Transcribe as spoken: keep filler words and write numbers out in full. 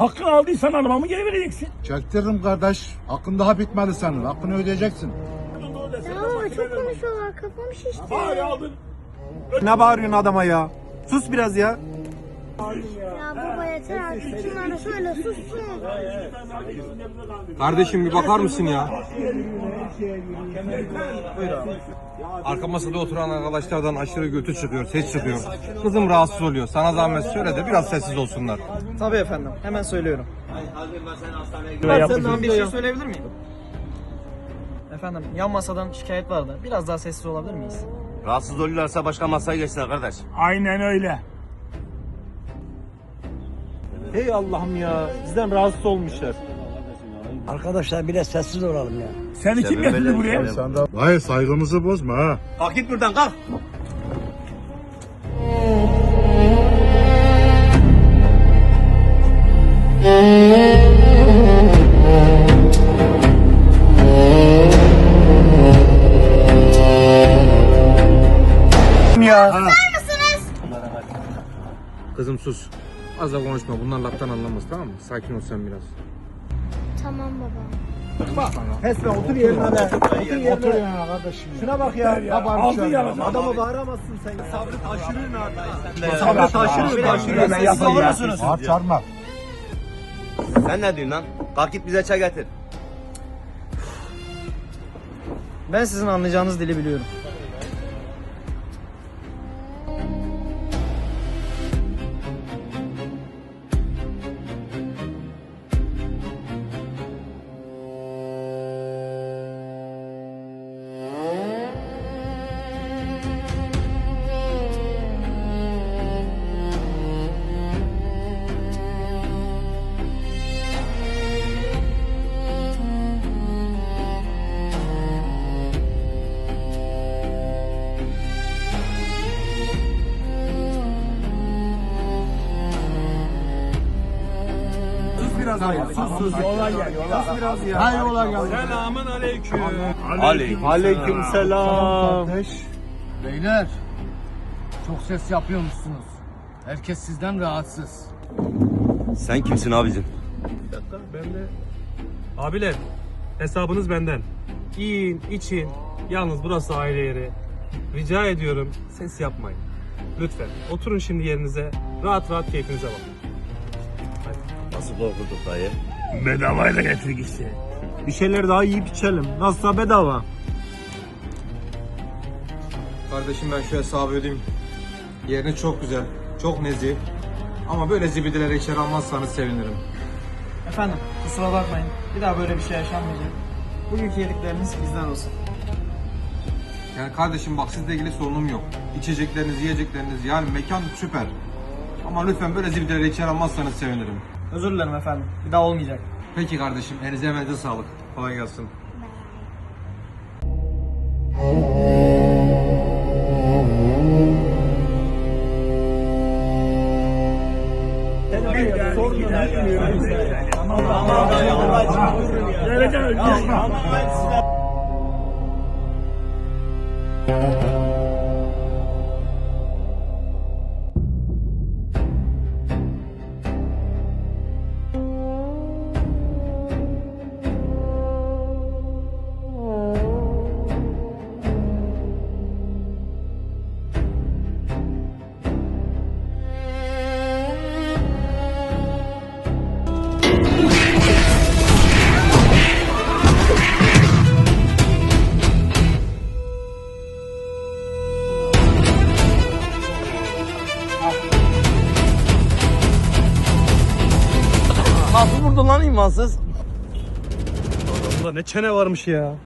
Hakkını aldıysan arabamı geri vereceksin. Çektiririm kardeş. Hakkın daha bitmedi senin. Hakkını ödeyeceksin. Ya baba çok konuşuyorlar, kafam şişti. Bari aldın. Ne bağırıyorsun adama ya? Sus biraz ya. Ya baba yeter artık, şunlara söyle sussun. Kardeşim bir bakar mısın ya? Arka masada oturan arkadaşlardan aşırı götü çıkıyor, ses çıkıyor. Kızım rahatsız oluyor. Sana zahmet söyle de biraz sessiz olsunlar. Tabii efendim. Hemen söylüyorum. Ben Senden bir şey söyleyebilir miyim? Efendim yan masadan şikayet vardı. Biraz daha sessiz olabilir miyiz? Rahatsız oluyorlarsa başka masaya geçsinler kardeş. Aynen öyle. Hey Allah'ım ya. Bizden rahatsız olmuşlar. Arkadaşlar bile sessiz olalım ya. Seni kim getirdi buraya? Sen de... Hayır saygımızı bozma ha. Kalk git buradan kalk. Ya. Kızım sus. Az da konuşma. Bunlar laftan anlamaz, tamam mı? Sakin ol sen biraz. Tamam baba. Esme otur yerine be. Otur yerine. Otur ya kardeşim. Şuna bak ya. Ya, aldın ya. Adama bağıramazsın sen. Sabrı taşırın abi. Sabrı taşırın, taşırın. Siz olursunuz. Bağır çağırma. Sen ne diyorsun lan? Kalk git bize çay getir. Ben sizin anlayacağınız dili biliyorum. Biraz hayır. Sus sus. Olay gel, olay. Sus biraz ya. Hayır olay geldi. Selamun aleyküm. Aleyküm. Aleyküm selam. Kardeş. Beyler. Çok ses yapıyormuşsunuz. Herkes sizden rahatsız. Sen kimsin abicim? Ben de... Abiler, hesabınız benden. Yiyin, için. Yalnız burası aile yeri. Rica ediyorum, ses yapmayın. Lütfen, oturun şimdi yerinize. Rahat rahat keyfinize bakın. Nasıl korkulduk dayı? Bedavayla getirdik işte. Bir şeyler daha yiyip içelim. Nasılsa bedava. Kardeşim ben şu hesabı ödeyeyim. Yeriniz çok güzel, çok nezih. Ama böyle zibidelere içeri almazsanız sevinirim. Efendim kusura bakmayın. Bir daha böyle bir şey yaşanmayacak. Bugünkü yedikleriniz bizden olsun. Yani kardeşim bak sizle ilgili sorunum yok. İçecekleriniz, yiyecekleriniz yani mekan süper. Ama lütfen böyle zibidelere içeri almazsanız sevinirim. Özür dilerim efendim. Bir daha olmayacak. Peki kardeşim, elinize emeğinize sağlık. Kolay gelsin. Sorun yok. Tamam, tamam. Geleceğim. Nasıl vurdun lan imansız? Ulan ne çene varmış ya.